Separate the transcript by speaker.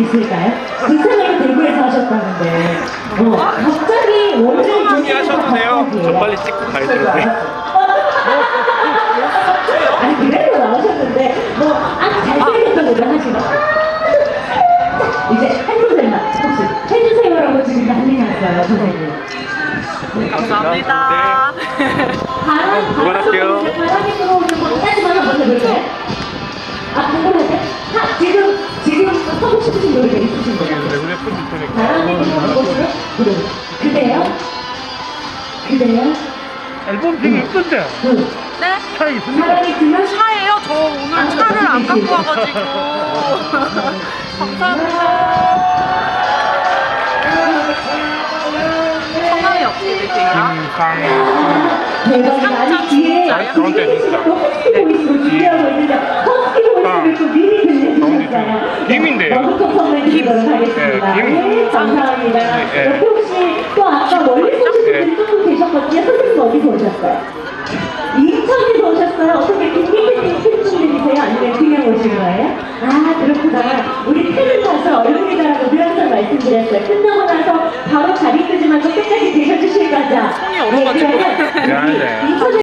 Speaker 1: 있을까요? 부산을 대구에서 하셨다는데 갑자기 원래
Speaker 2: 편히 하셔도 돼요. 저 빨리 찍고 가야 되는데.
Speaker 1: 아니 그래도 나오셨는데 아주 잘생겼던 노래 하시고 이제 한 소절만 혹시 해주세요라고 지금 난리 났어요 선생님.
Speaker 3: 감사합니다.
Speaker 2: 그만할게요.
Speaker 1: 바람이 들어오는 것까지만 한번 해볼까요? 궁금한데? 지금 하고 싶으신 노래가 있으신 거예요?
Speaker 2: 레벨 푸드
Speaker 1: 바람이 들어오는 곳으로 그대요? 그대요?
Speaker 2: 앨범 되게 예쁜데.
Speaker 3: 네?
Speaker 2: 차에 있습니다.
Speaker 1: 바람이 들면
Speaker 3: 차예요? 저 오늘 차를 안 갖고 와가지고. 감사합니다. 성함이 어떻게 되세요?
Speaker 1: 대박이다. 아니 뒤에
Speaker 2: 가운데 진짜.
Speaker 1: 또 허스키 보이스로 준비하고 있는데 허스키 보이스를 또 미리 들려주셨어요.
Speaker 2: 김인데요.
Speaker 1: 너부터 선물 드리도록 하겠습니다.
Speaker 2: 김.
Speaker 1: 네, 감사합니다.
Speaker 2: 네.
Speaker 1: 옆에 혹시 또 아까 멀리서 오신 분들이 조금 계셨거든요. 선생님 어디서 오셨어요? 인천에서 오셨어요? 어떻게 김민희님 팬분들이세요? 아니면 그냥 오신 거예요? 아 그렇구나. 우리 팬을 타서 얼굴이다라고 늘 항상 말씀드렸어요. 끝나고 나서 바로 자리 끄지 말고 끝까지 계셔주실 거죠?
Speaker 3: 손이 얼어가지고.
Speaker 1: 네, 그러면
Speaker 2: 미안해.
Speaker 1: 인천에